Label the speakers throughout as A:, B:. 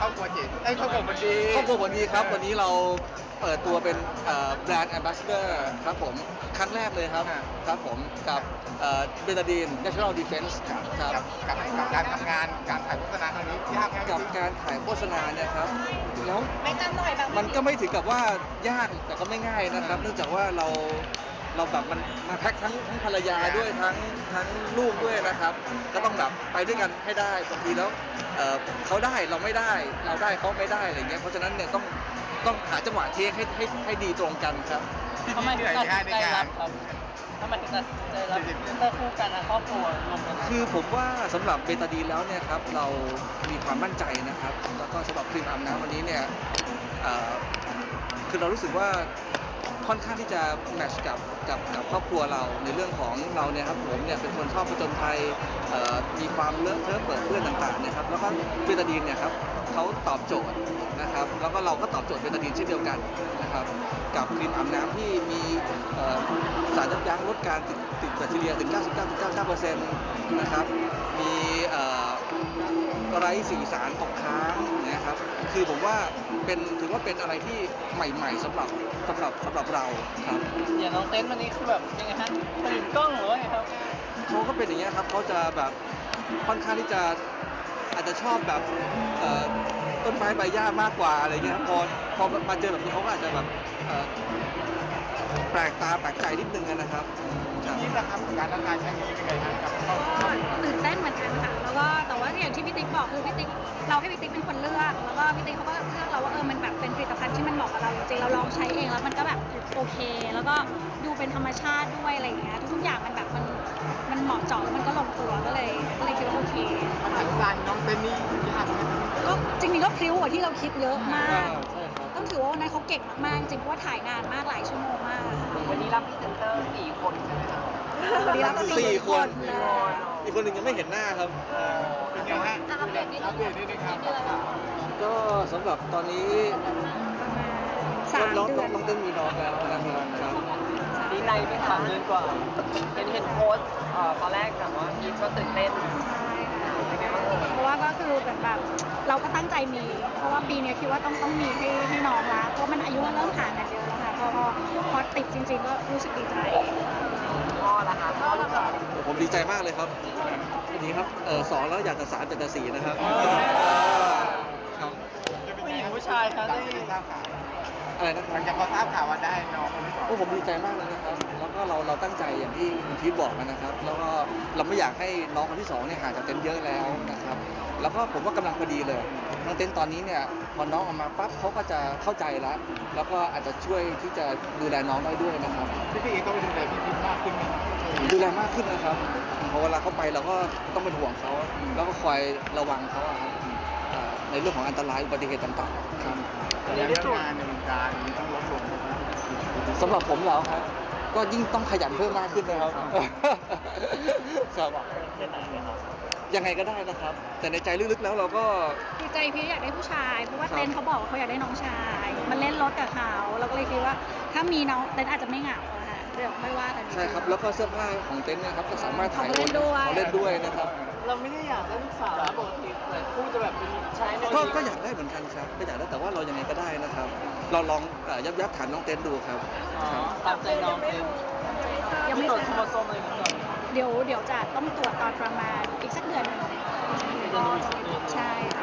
A: อบครัวเจ๋งครอบครัวมันดี
B: ครอบครัววันนี้ครับวันนี้เราเปิดตัวเป็นแบรนด์แอมบาสเดอร์ครับผมครั้งแรกเลยครับครับผมกับเบตาดีน National Defense ครับ
A: กับการทำงานการถ่ายโฆษณาครั้งนี้ยากไหม
B: กับการถ่ายโฆษณาเนี่ยครับแล้ว
C: ไม่จำหน่อยแบบ
B: มันก็ไม่ถึงกับว่ายากแต่ก็ไม่ง่ายนะครับ เนื่องจากว่าเราแบบมันมาแพ็คทั้งภรรยาด้วยทั้งลูกด้วยนะครับ ก็ต้องแบบไปด้วยกันให้ได้บางทีแล้วเขาได้เราไม่ได้เราได้เขาไม่ได้อะไรเงี้ยเพราะฉะนั้นเนี่ยต้องหาจังหวะเทคให้ดีตรงกันครับ
A: ที่
D: ทำไม
A: เห
D: ถึ
A: นื่
D: ง
A: อย
D: ตัด
A: ง่ายใน
D: สินใจ
A: งา
D: รั
A: น
D: บครับทำไมถึงตัดสินใจรับพรีเซนเตอร์คู่กันนะครอบครัวรวมกัน
B: คือผมว่าสำหรับเบตาดีนแล้วเนี่ยครับเรามีความมั่นใจนะครับ แล้วก็สำหรับครีมอาบน้ำวันนี้เนี่ยคือเรารู้สึกว่าค่อนข้างที่จะแมทช์กับครอบครัวเราในเรื่องของเราเนี่ยครับผมเนี่ยเป็นคนชอบผจญภัยมีความเลอะเทอะเปิดเพื่อนต่างๆนะครับแล้วก็เบตาดีนเนี่ยครับเขาตอบโจทย์นะครับแล้วก็เราก็ตอบโจทย์เบตาดีนเช่นเดียวกันนะครับกับครีมอาบน้ำที่มีสารยับยั้งลดการติดแบคทีเรียถึง 99.99% นะครับมีไร้สีสารตกค้างนะครับคือผมว่าถือว่าเป็นอะไรที่ใหม่ๆสำหรับเราครับ
D: อย่างน้องเต้นวันนี้คือแบบยังไงฮะตื่นกล้องหรือว่าไงครับ
B: เขาก็เป็นอย่างเงี้ยครับเขาจะแบบค่อนข้างที่จะอาจจะชอบแบบต้นไม้ใบหญ้ามากกว่าอะไรเงี้ยครับพอมาเจอแบบนี้เขาก็อาจจะแบบแปลกตาแปลกใจนิดนึงนะครับ
A: นี่นะครับการทำงานครั้งนี้เป็นไงครับกับ
C: ก็ตื่นเต้นเหมือนกันค่ะแล้วก็แต่ว่าอย่างที่พี่ติ๊กบอกคือพี่ติ๊กเราให้พี่ติ๊กเป็นคนเลือกแล้วก็พี่ติ๊กเขาก็เลือกเราว่ามันแบบเป็นผลิตภัณฑ์ที่มันเหมาะกับเราจริงๆเราลองใช้เองแล้วมันก็แบบโอเค แล้วก็ดูเป็นธรรมชาติด้วยอะไรอย่างเงี้ยทุกๆอย่างมันแบบมันเหมาะเจาะแล้วมันก็ลงตัวก็เลยคิดว่าโอเค
A: มันถึงการน้องเต้นนี่ยากไหม
C: ก็จริงๆก็พริ้วกว่าที่เราคิดเยอะมาก
B: ใช่ครับ
C: ต้องถือว่าวันนั้นเขาเก่งมากๆจริงเพราะว่าถ่ายนานมากหลายชั่วโมงมาก
D: วันนี้รับพรีเซนเตอร์4 คนใช่ไหมครับ
C: วันนี้รับ
B: สี่คน
C: เลย
B: อีกคนหนึ่งยังไม่เห็นหน้าครับ
A: เป็นไงฮะอัปเดตนิดนึงครับ
B: ก็สำหรับตอนนี้
C: สาม
B: น้อง
C: เดือน
B: เต้นมีน้องแล้วนะครับ
D: ดีใจไหมคะเดือนกว่าเห็นโพสต์ตอนแรกแบบว่าพีทก็ตื่นเต้นเป็นไงบ้าง
C: เพราะว่าก็คือแบบเราก็ตั้งใจมี เพราะว่าปีนี้คิดว่าต้องมีให้น้องละเพราะมันอายุมันเริ่มห่างกันเยอะแล้วค่ะพอติดจริงๆก็รู้สึกดีใจ
D: พ่อละคะพ่อลูกสาว
B: ผมดีใจมากเลยครับทีนี้ครับสองแล้วอยากจะสามอยากจะสี่นะครับครับ
D: ผู้หญิงผู้ชายคะได้
A: ทราบข่าว
B: อะไรนะค
A: ห
B: รั
A: ลั
B: บ
A: งจากพอทราบข่าวว่าได้น้องคนที่สอง
B: โอ้ผมดีใจมากเลยนะครับ แล้วก็เราตั้งใจอย่างที่คุณพีทบอกนะครับ แล้วก็เราไม่อยากให้น้องคนที่สองเนี่ยห่างจากเต็นท์เยอะแล้วนะครับ แล้วก็ผมว่ากำลังพอดีเลยน้องเต็นท์ตอนนี้เนี่ยพอน้องออกมาปั๊บเขาก็จะเข้าใจแล้ว แล้วก็อาจจะช่วยที่จะดูแลน้องได้ด้วยนะครับ
A: พี่เองต้องดูแลพี่พิมมากขึ้นไหม
B: ดูแลมากขึ้นนะครับพอเวลาเขาไปเราก็ต้องเป็นห่วงเขา แล้วก็คอยระวังเขาอะครับในเรื่องของอันตรายอุบัติเหตุต่างๆครับ
A: เรื่องงานในวงการมีต้องลดลง
B: สำหรับผมแล้วครับ ก็ยิ่งต้องขยันเพิ่มมากขึ้นนะครับครับยังไงก็ได้นะครับ แต่ในใจลึกๆแล้วเราก็
C: ดีใจพี่อยากได้ผู้ชาย เพราะว่า
B: ครับ
C: เต้นเขาบอกว่าเขาอยากได้น้องชายมันเล่นรถกับเขาเราก็เลยคิดว่าถ้ามีน้องเต้นอาจจะไม่เหงาอะค่ะเดี๋ยวไม่ว่ากัน
B: ใช่ครับ แล้วก็เสื้อผ้าของเต็นท์เนะครับก็สามารถถ่าย
C: เขาเล่นด้วย
B: เขาเล่นด้วยนะครับ
D: เราไม่ได้อยากได้ลูกสาวนะปกติหลายคู่จะแบบเป็นใช้ใน
B: ก็อยากได้เหมือนกันครับก็อยากได้แต่ว่าเรายังไงก็ได้นะครับ เราลองยับถามน้องเต็นท์ดูครับ
D: อ๋อตามใจน้องเป็น
C: ยัง
D: ไม่
C: ไม่
D: ตรวจ
C: เส
D: โคร
C: ร็จ
D: โมโซมอะไรกันก่อน
C: เดี๋ยวจะต้องตรวจตอนประมาณอีกสักเดือนหนึงใช่ค่ะ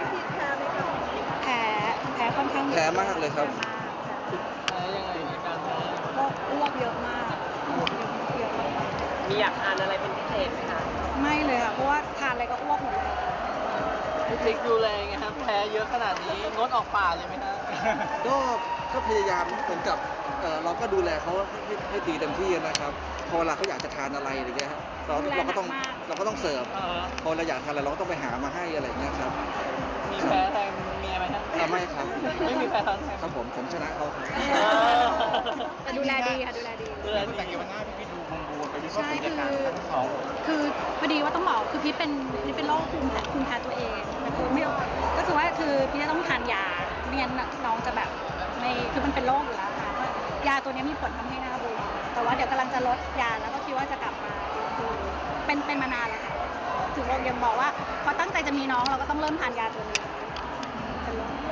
C: แพ้ค่อนข้างเยอะ
B: แพ้มากเลยครับ
C: แพ้มากค่ะ
D: ใช้ยังไงในการแพ้
C: ก็อ้วกเยอะมากเยอะมาก
D: มีอยากทานอะไรเป็นพิเศษไหมคะ
C: ไม่เลยค่ะเพราะว่าทานอะไรก็อ้วกหมดเลย
D: พี่ติ๊กดูแลไงครับแพ้เยอะขนาดนี้งดออกป่าเลยไหมฮะ
B: ก็พยายามเหมือนกับเราก็ดูแลเขาให้ดีเต็มที่นะครับพอเวลาเขาอยากจะทานอะไรอะไรเงี้ยครับเราก็ต้องเสิร์ฟพอเราอยากทานอะไรเราก็ต้องไปหามาให้อะไรเงี้ยครับ
D: มีแพ้แทนเมียไหมฮะ
B: ไม่ครับ
D: ไม่มีแพ้ทางแทน
B: ครับผมชนะเขาครับ
C: แต่ดูแลดีค่ะดูแลดี
D: ดูแล
A: แต่
D: ดี
A: เกี่ยวกับหน้าพี่ดูบวมๆไปวิเคราะห์กิจการทั้งสอง
C: คือพอดีว่าต้องบอกคือพี่เป็นโรคภูมิแพ้ตัวเองแต่คือไม่ก็คือว่าคือพี่จะต้องทานยาไม่งั้นน้องจะแบบไม่คือมันเป็นโรคอยู่แล้วค่ะว่ายาตัวนี้มีผลทำให้หน้าบวมแต่ว่าเดี๋ยวกำลังจะลดยาแล้วก็คิดว่าจะกลับมาคือเป็นมานานแล้วค่ะถึงเรายังบอกว่าพอตั้งใจจะมีน้องเราก็ต้องเริ่มทานยาตัวนี้เป็นโรค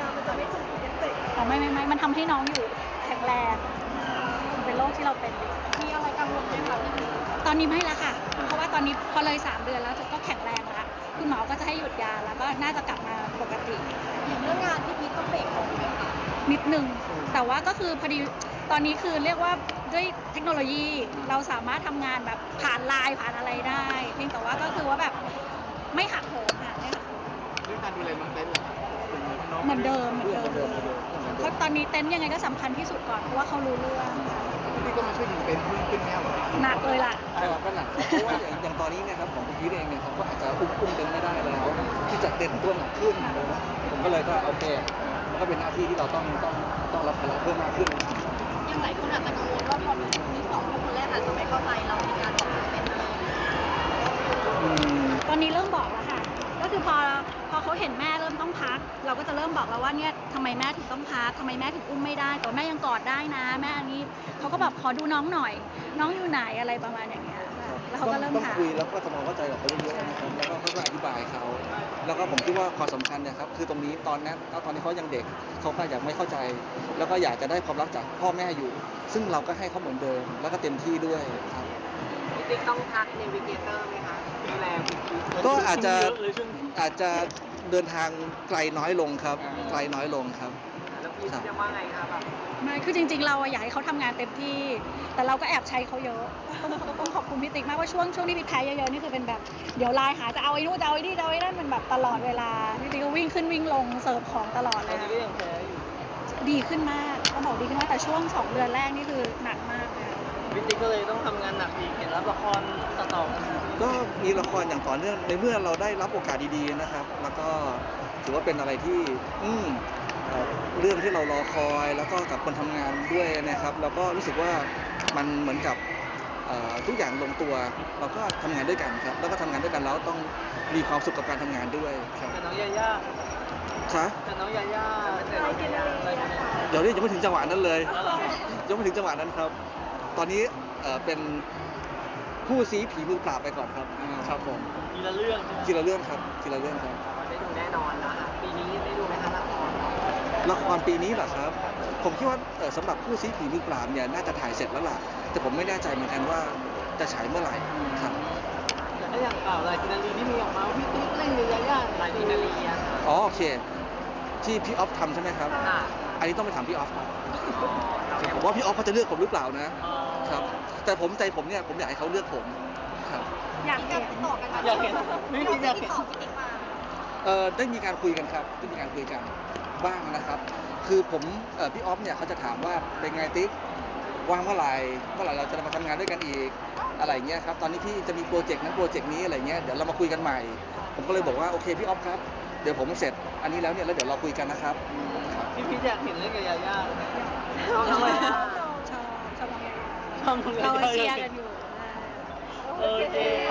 C: ไม่มันทำให้น้องอยู่แข็งแรงเป็นโรคที่เราเป็นอยู่
D: มีอะไรกังวลไหมคะพี่พี
C: ตอนนี้ไม่แล้วค่ะ เพราะว่าตอนนี้พอเลย3 เดือนแล้วก็แข็งแรงแล้วคุณหมอก็จะให้หยุดยาแล้วก็น่าจะกลับมาปกติ
D: อย่างเรื่องงานพี่พีต้องเบรกลงไหมคะ
C: นิดนึงแต่ว่าก็คือพอดีตอนนี้คือเรียกว่าด้วยเทคโนโลยีเราสามารถทำงานแบบผ่านไลน์ผ่านอะไรได้เพียงแต่ว่าก็คือว่าแบบไม่หักโหมค่ะไม่หักโหม
A: เรื่องการดูแลน้องเต้นเหรอครับเป็นน้อง
C: เหมือนเดิมเพราะตอนนี้เต็นท์ยังไงก็สำคัญที่สุดก่อนเพราะว่าเขารู้เรื่อง
A: พี่ก็มาช่วยดูเต้นขึ้นแมวเหรอ
C: หนักเลยล่ะ
B: ใช่ครับก็หนักครับเพราะว่าอย่างตอนนี้เนี่ยครับของคุณพีทเองเนี่ยครับก็อาจจะอุ้มเต็มไม่ได้แล้ว ที่จะเต็มตัวหนักขึ้นผมก็เลยก็โอเคมันก็เป็นหน้าที่ที่เราต้องรับภาระเพิ่มมากขึ้น
D: ยังหลายคนอาจจะกังวลว่าพอมีคนที่สองคนแรกอาจจะไม่เข้าใจเราในการบอกเป็นอะไรอย่างเงี้ย
B: อืม
C: ตอนนี้เริ่มบอกแล้วค่ะ ก็คือพอเขาเห็นแม่เริ่มต้องพัก เราก็จะเริ่มบอกแล้วว่าเนี่ยทำไมแม่ถึงต้องพักทำไมแม่ถึงอุ้มไม่ได้แต่ว่าแม่ยังกอดได้นะ แม่อันนี้เขาก็แบบขอดูน้องหน่อย น้องอยู่ไหนอะไรประมาณอย่างเงี้ยค่ะแล้วเขาก็เริ่ม
B: ต้อง
C: ถาม
B: คุยแล้วก็ทำความเข้าใจกับเขาเยอะๆนะครับแล้วก็ค่อยๆอธิบายเขาแล้วก็ผมคิดว่าความสำคัญเนี่ยครับคือตรงนี้ตอนนี้เขายังเด็กเขาก็อยากไม่เข้าใจ แล้วก็อยากจะได้ความรักจากพ่อแม่อยู่ ซึ่งเราก็ให้เขาเหมือนเดิม แล้วก็เต็มที่ด้วยครับ
D: พี่ติ๊กต้องทักเนวิเกเตอร์ไหมคะดูแลพี่พี
B: ก็อาจจะเดินทางไกลน้อยลงครับไกลน้อยลงครับ
D: แล้วพี่จะว่าไงคะแบบ
C: ไม่คือจริงๆ เราอะอยากให้เขาทำงานเต็มที่ แต่เราก็แอบใช้เขาเยอะ ต้องขอบคุณพี่ติ๊กมากว่าช่วงที่พี่แพ้เยอะๆ นี่คือเป็นแบบ เดี๋ยวไลน์หาจะเอาไอ้นู่นจะเอาไอ้นี่จะเอาไอ้นั่นมันแบบตลอดเวลา พี่ติ๊กก็วิ่งขึ้นวิ่งลงเสิร์ฟของตลอดเลย
D: ก็ยังแพ้อยู่
C: ดีขึ้นมากต้องบอกดีขึ้นมากแต่ช่วง 2 เดือนแรกนี่คือหนักมากเลย
D: พี่ติ๊กก็เลยต้องทำงานหนักอีกเห็นรับละครต่อๆกัน
B: ก็มีละครอย่างต่อเนื่องในเมื่อเราได้รับโอกาสดีๆนะครับ แล้วก็ถือว่าเป็นอะไรที่เรื่องที่เรารอคอยแล้วก็กับคนทำงานด้วยนะครับแล้วก็รู้สึกว่ามันเหมือนกับทุกอย่างลงตัวเราก็ทำงานด้วยกันครับแล้วก็ทำงานด้วยกันแล้วต้องมีความสุขกับการทำงานด้วยครับ
D: แต่น้องยาย่า
B: คะ
D: แต่น้องยาย่าอะไรกินอะไร
B: เดี๋ยวนี้ยังไม่ถึงจังหวะนั้นเลยยังไม่ถึงจังหวะนั้นครับ ตอนนี้เป็นผู้ซีผีมือปราบไปก่อนครับครับผม
D: ทีละเรื่อง
B: ทีละเรื่องครับทีละเรื่องครับ
D: ได้ดูแน่นอนแล้วค่ะปีนี้ได้ดูไหมคะละคร
B: ละครปีนี้เหรอครับ ผมคิดว่าสำหรับผู้ซีผีมือปราบเนี่ยน่าจะถ่ายเสร็จแล้วล่ะ แต่ผมไม่แน่ใจเหมือนกันว่าจะฉายเมื่อไหร่ครับ
D: แต่ถ้าอย่างลายกินารีที่มีออกมาพี่ติ๊กเล่นกับยาย่าลายกินารีอะค่ะ
B: อ๋อโอเค ที่พี่ออฟทำใช่ไหมครับ
D: ค่ะ
B: อันนี้ต้องไปถามพี่ออฟครับผมว่าพี่ออฟเขาจะเลือกผมหรือเปล่านะ ครับ แต่ใจผมเนี่ยผมอยากให้เขาเลือกผมครับ
C: อยากเห็น
D: อยากเห็นไม่ติ๊กอยากเห็น
B: ได้มีการคุยกันครับได้มีการคุยกันบ้างนะครับ คือผมพี่ออฟเนี่ยเขาจะถามว่าเป็นไงติ๊กว่างเมื่อไหร่เราจะมาทำงานด้วยกันอีกอะไรเงี้ยครับตอนนี้พี่จะมีโปรเจกต์นั้นโปรเจกต์นี้อะไรเงี้ยเดี๋ยวเรามาคุยกันใหม่ ผมก็เลยบอกว่าโอเคพี่ออฟครับเดี๋ยวผมเสร็จอันนี้แล้วเนี่ยแล้วเดี๋ยวเราคุยกันนะครับ
D: พี่พีอยากเห็นเล่นกับยาย่า
C: ชอบ
D: ทำไมอะ
C: ชอบ
D: ชอบ
C: เราเชียร์กันอยู่
D: โอเค